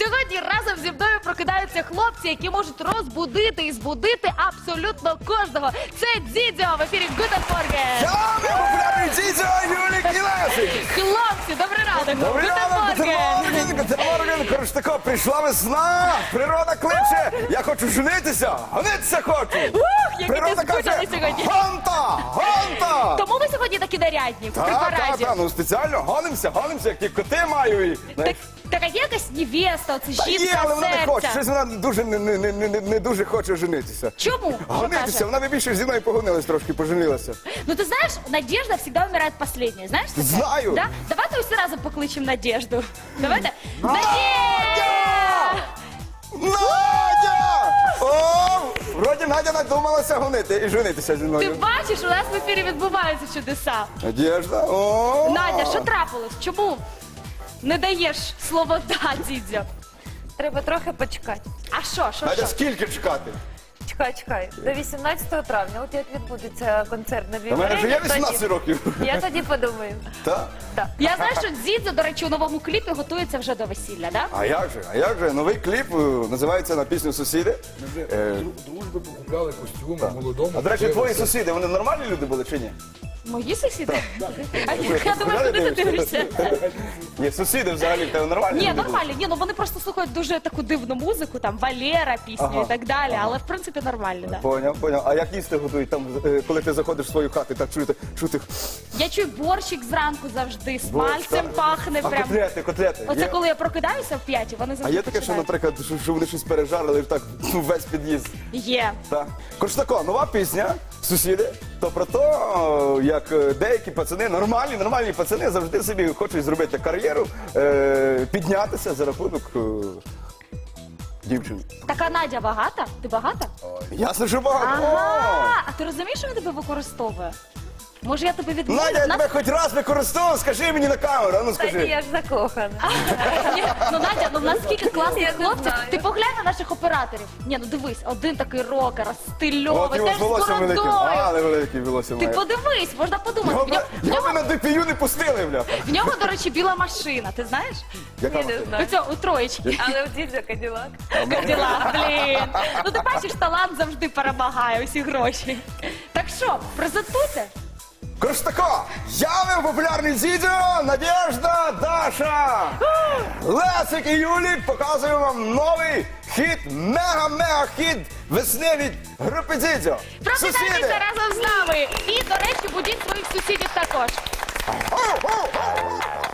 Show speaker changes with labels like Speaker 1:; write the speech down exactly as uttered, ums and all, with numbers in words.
Speaker 1: Сьогодні разом зі мною прокидаються хлопці, які можуть розбудити і збудити абсолютно кожного. Це Дзідзьо в ефірі Guten Morgen.
Speaker 2: Я популярний Дзідзьо, Юлік і Лесик.
Speaker 1: Хлопці, добрий ранок.
Speaker 2: Добрий ранок, Guten Morgen, Guten Morgen. Коротше тако, прийшла весна, природа кличе, я хочу женитися, гонитися хочу.
Speaker 1: Ух, які
Speaker 2: Природа
Speaker 1: ти скучали
Speaker 2: каже,
Speaker 1: сьогодні.
Speaker 2: гонта, гонта.
Speaker 1: Тому ви сьогодні такі нарядні, в
Speaker 2: Так, так,
Speaker 1: параді.
Speaker 2: так, ну спеціально гонимося, гонимося, як ті коти маю. І,
Speaker 1: Так, така є якась невеста, оце
Speaker 2: Та є,
Speaker 1: жінка
Speaker 2: але вона не хоче,
Speaker 1: серця.
Speaker 2: щось вона дуже не, не, не, не, не дуже хоче женитися.
Speaker 1: Чому? Що
Speaker 2: Гонитися,
Speaker 1: каже?
Speaker 2: вона би більше зі мною погонилась трошки, поженилася.
Speaker 1: Ну ты знаешь, Надежда всегда умирает последняя. Знаешь такое?
Speaker 2: Знаю.
Speaker 1: Да? Давайте все разом покличем Надежду. Давайте.
Speaker 2: Надя!
Speaker 1: Надя!
Speaker 2: Надя! О, вроді Надя надумалася гонити і женитися зі
Speaker 1: Ти
Speaker 2: мною.
Speaker 1: бачиш, у нас в ефірі відбуваються чудеса.
Speaker 2: Надежда, о!
Speaker 1: Надя, що трапилось? Чому не даєш слово «да», Дзідзьо?
Speaker 3: Треба трохи почекати.
Speaker 1: А що, що,
Speaker 2: Надя,
Speaker 1: що?
Speaker 2: скільки чекати?
Speaker 3: Чекай, чекай. До вісімнадцятого травня. От як відбудеться концерт на
Speaker 2: У мене вже є
Speaker 3: тоді-
Speaker 2: вісімнадцять років.
Speaker 3: Я тоді подумаю.
Speaker 2: Так?
Speaker 3: Так.
Speaker 1: Я знаю, що Дзідзьо, до речі, у новому кліпі готується вже до весілля, да?
Speaker 2: А як же? А як же? Новий кліп е, називається на пісню «Сусіди». Е,
Speaker 4: Дружби покупляли костюми молодому.
Speaker 2: А, до речі, твої сусіди, вони нормальні люди були чи ні?
Speaker 1: Мої сусіди? А я думаю, куди ти дивишся?
Speaker 2: Ні, сусіди взагалі в тебе нормальні
Speaker 1: Ні,
Speaker 2: люди були?
Speaker 1: нормально. Ні, ну вони просто слухають дуже таку дивну музику, там Валера пісню
Speaker 2: Ага,
Speaker 1: і так далі, але в принципі нормально, да.
Speaker 2: Поняв, поняв. А як їсти готують там, е, коли ти заходиш в свою хату, так чути, чути.
Speaker 1: Я чую борщик зранку завжди, з
Speaker 2: борщ,
Speaker 1: пальцем
Speaker 2: так?
Speaker 1: пахне
Speaker 2: А
Speaker 1: прям.
Speaker 2: котлети, котлети.
Speaker 1: Оце
Speaker 2: Є?
Speaker 1: коли я прокидаюся в п'ятій, вони
Speaker 2: А
Speaker 1: завжди
Speaker 2: є таке, що,
Speaker 1: починають.
Speaker 2: наприклад, що, що вони щось пережарили так ну, весь під'їзд.
Speaker 1: Є.
Speaker 2: Так. Коротше тако, нова пісня, сусіди, то про те, як е, деякі пацани, нормальні, нормальні пацани завжди собі хочуть зробити кар'єру, е, піднятися за рахунок е, дівчин.
Speaker 1: Така Надя багата? Ти багата?
Speaker 2: Ясно, що багато.
Speaker 1: Ага. А ти розумієш, що він тебе використовує? Може, я тебе
Speaker 2: О!
Speaker 1: відмовлю?
Speaker 2: Надя, я
Speaker 1: Нас-
Speaker 2: тебе хоч раз використовував, скажи мені на камеру, а ну
Speaker 3: Та ні,
Speaker 2: скажи.
Speaker 3: я ж закохана.
Speaker 1: Ні, ну Надя, ну в нас скільки класних
Speaker 3: Я не
Speaker 1: хлопців.
Speaker 3: знаю.
Speaker 1: Ти поглянь на наших операторів. Ні, ну дивись, один такий рокер, стильовий,
Speaker 2: От його
Speaker 1: теж
Speaker 2: з
Speaker 1: з
Speaker 2: волоссям великим.
Speaker 1: бородою.
Speaker 2: Але великий волосся
Speaker 1: Ти
Speaker 2: має.
Speaker 1: подивись, можна подумати.
Speaker 2: Його
Speaker 1: В
Speaker 2: би-
Speaker 1: нього, в
Speaker 2: Його би
Speaker 1: нього,
Speaker 2: на ДПЮ не пустили, бляха.
Speaker 1: в нього, до речі, біла машина, ти знаєш?
Speaker 2: Яка
Speaker 3: Ні, не
Speaker 2: машина?
Speaker 3: знаю.
Speaker 1: Оця, у троєчки.
Speaker 3: Але у Дідзьо Каділак.
Speaker 1: Каділа, блін. Ну ти бачиш, талант завжди перемагає усі гроші. Так що, презентуйте.
Speaker 2: Коротше тако, я популярний Дзідзьо, Надежда, Даша, Лесик і Юлік показуємо вам новий хіт, мега-мега-хіт весни від групи Дзідзьо.
Speaker 1: Прокидайтеся разом з нами. І, до речі, будіть своїх сусідів також.
Speaker 2: Оу, оу, оу.